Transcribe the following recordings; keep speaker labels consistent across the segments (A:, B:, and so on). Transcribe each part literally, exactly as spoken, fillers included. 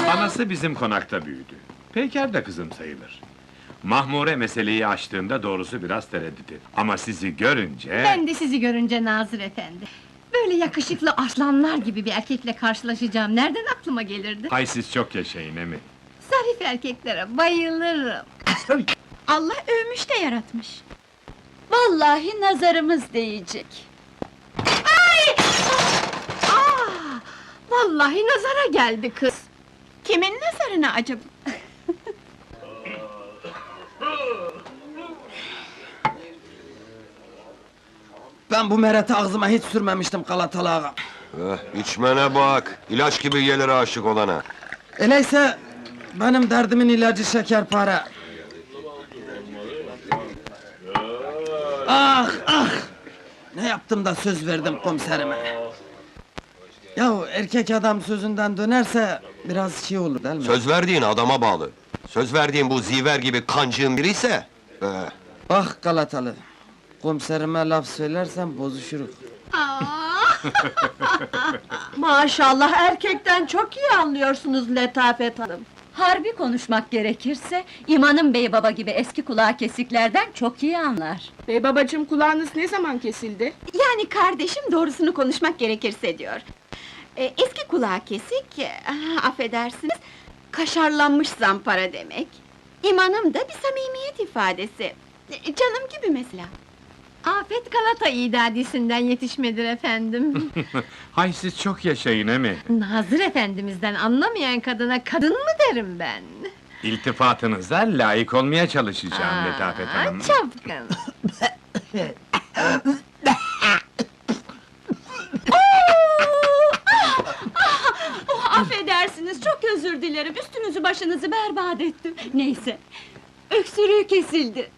A: Anası bizim konakta büyüdü. Peyker de kızım sayılır. Mahmure meseleyi açtığında doğrusu biraz tereddüt etti. Ama sizi görünce...
B: Ben de sizi görünce Nazır efendi. Böyle yakışıklı aslanlar gibi bir erkekle karşılaşacağım, nereden aklıma gelirdi?
A: Hay siz çok yaşayın emi.
B: Zarif erkeklere bayılırım.
C: Allah övmüş de yaratmış.
D: Vallahi nazarımız değecek.
B: Aa, vallahi nazara geldi kız.
C: Kimin nazarına acaba?
E: Ben bu mereti ağzıma hiç sürmemiştim Galatalı ağa.
F: Eh, içmene bak, ilaç gibi gelir aşık olana.
E: Öyleyse benim derdimin ilacı şekerpare. Ah ah! Ne yaptım da söz verdim komiserime. Yahu erkek adam sözünden dönerse biraz şey olur değil mi?
F: Söz verdiğin adama bağlı. Söz verdiğin bu ziver gibi kancığın biri ise... Eh,
E: Bak Galatalı, komiserime laf söylersen bozuşuruz.
D: Maşallah erkekten çok iyi anlıyorsunuz Letafet Hanım. Harbi konuşmak gerekirse, İmanım Bey baba gibi eski kulağı kesiklerden çok iyi anlar.
G: Bey babacığım, kulağınız ne zaman kesildi?
C: Yani kardeşim doğrusunu konuşmak gerekirse diyor. Ee, eski kulağı kesik, ah, affedersiniz, kaşarlanmış zampara demek. İmanım da bir samimiyet ifadesi. Ee, Canım gibi mesela.
B: Afet Galata idadisinden yetişmedir efendim.
A: Hay siz çok yaşayın emi.
B: Nazır efendimizden anlamayan kadına kadın mı derim ben?
A: İltifatınıza layık olmaya çalışacağım Letafet
B: Aa,
A: Hanım.
B: çapkın!
D: Oh, affedersiniz, çok özür dilerim, üstünüzü başınızı berbat ettim. Neyse, öksürüğü kesildi.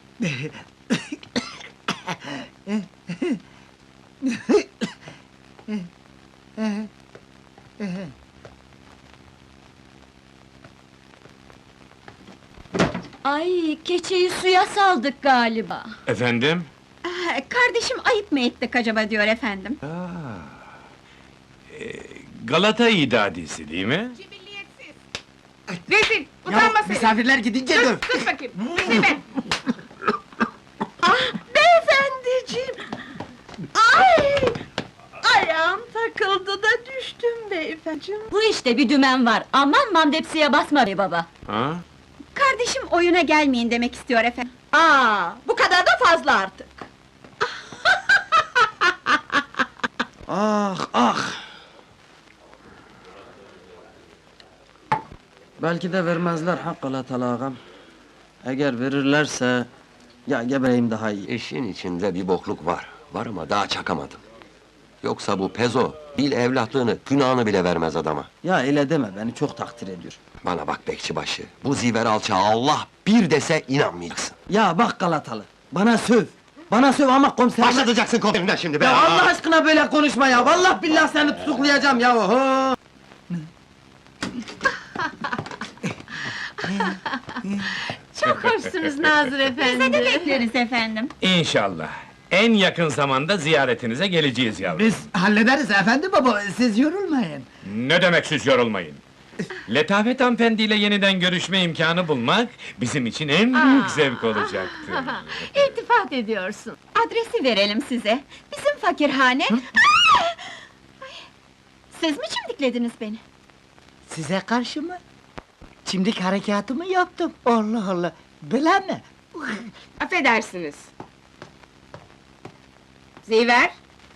D: Ay, keçeyi suya saldık galiba.
A: Efendim?
C: Ah, kardeşim ayıp mı ettik acaba diyor efendim.
A: Galata idadisi değil mi?
G: Cibilliyetsiz! Rezil! Utanma seni!
E: Misafirler gidince döv!
G: Sus, sus bakayım! Silme!
D: Beyefendiciğim! Ay! Ayağım takıldı da düştüm beyefendiciğim. Bu işte bir dümen var, aman mamdepsiye basma bey baba!
A: Ha?
C: Kardeşim oyuna gelmeyin demek istiyor efendim.
D: Aa, bu kadar da fazla artık!
E: Ah ah! Belki de vermezler ha Galatalı ağam. Eğer verirlerse... Ya gebereyim daha iyi.
F: işin içinde bir bokluk var. Var ama daha çakamadım. Yoksa bu pezo, bil evlatlığını, günahını bile vermez adama.
E: Ya öyle deme, beni çok takdir ediyor.
F: Bana bak bekçibaşı, bu ziver alçağı Allah bir dese inanmayacaksın.
E: Ya bak Galatalı, bana söv! Bana söv ama komiserime...
F: Başlatacaksın komiserinden şimdi be!
E: Ya Allah aşkına böyle konuşma ya! Vallahi billahi seni tutuklayacağım ya! Oho!
B: Çok hoşsunuz Nazır efendi!
C: Bize de bekleriz efendim.
A: İnşallah. En yakın zamanda ziyaretinize geleceğiz yavrum.
H: Biz hallederiz efendi baba, siz yorulmayın.
A: Ne demek siz yorulmayın? Letafet hanımefendiyle yeniden görüşme imkanı bulmak... ...bizim için en büyük zevk olacaktır.
B: İltifat ediyorsun.
C: Adresi verelim size. Bizim fakirhane... Aa! Ay! Siz mi çimdiklediniz beni?
H: Size karşı mı? Çimdik harekatı mı yaptım? Allah Allah! Bela mi?
G: Affedersiniz! Ziver!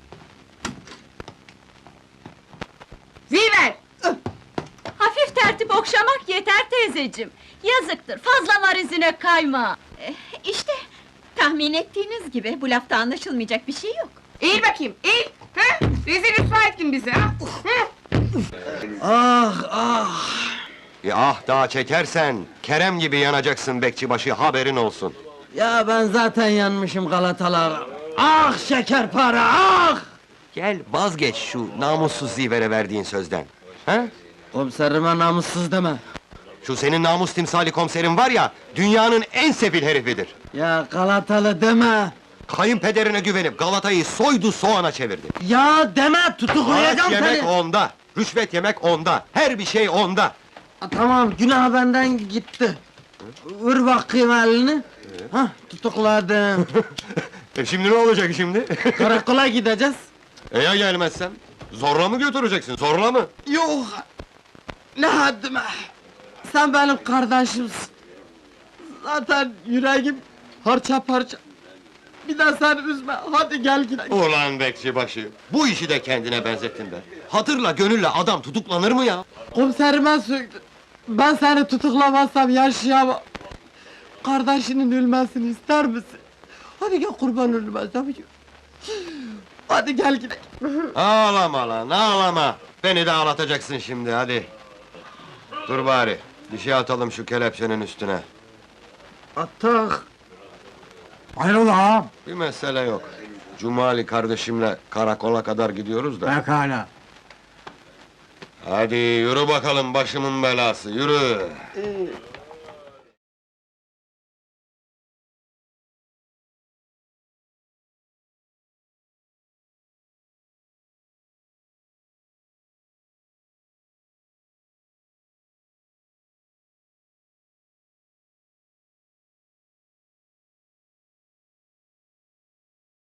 G: Ziver!
D: Hafif tertip okşamak yeter teyzeciğim! Yazıktır, fazla var izine kayma!
C: Eh, İşte, tahmin ettiğiniz gibi bu lafta anlaşılmayacak bir şey yok.
G: Eğil bakayım, eğil! Ha? Rezil rüsva ettin bizi ha! Hı?
E: Ah ah!
F: Bir ah daha çekersen, Kerem gibi yanacaksın bekçibaşı, haberin olsun.
E: Ya ben zaten yanmışım Galatalı ağam! Ah şekerpare ah!
F: Gel vazgeç şu namussuz zivere verdiğin sözden. Ha?
E: Komiserime namussuz deme!
F: Şu senin namus timsali komiserin var ya, dünyanın en sefil herifidir.
E: Ya Galatalı deme!
F: Kayınpederine güvenip Galata'yı soydu soğana çevirdi.
E: Ya deme, tutuklayacağım
F: Maaş yemek
E: seni!
F: onda, rüşvet yemek onda, her bir şey onda.
E: Ha, tamam, günah benden gitti. Vur bakayım elini. Hah, tutukladım.
F: E şimdi ne olacak şimdi?
E: Karakola gideceğiz.
F: E ya gelmezsem? Zorla mı götüreceksin, zorla mı?
E: Yok! Ne haddime! Sen benim kardeşimsin. Zaten yüreğim parça parça. Bir de sen üzme, hadi gel gidelim.
F: Ulan bekçibaşı, bu işi de kendine benzettin be. Hatırla, gönülle adam tutuklanır mı ya?
E: Komiserime söktün. Ben seni tutuklamazsam yaşayamam. Kardeşinin ölmesini ister misin? Hadi gel kurban ölmezsem. Hadi gel gidelim.
F: Ağlama lan, ağlama! Beni de ağlatacaksın şimdi, hadi! Dur bari, bir şey atalım şu kelepçenin üstüne.
E: Atak.
H: Hayrola ağam?
F: Bir mesele yok. Cumali kardeşimle karakola kadar gidiyoruz da.
H: Pekala.
F: Hadi yürü bakalım başımın belası, yürü!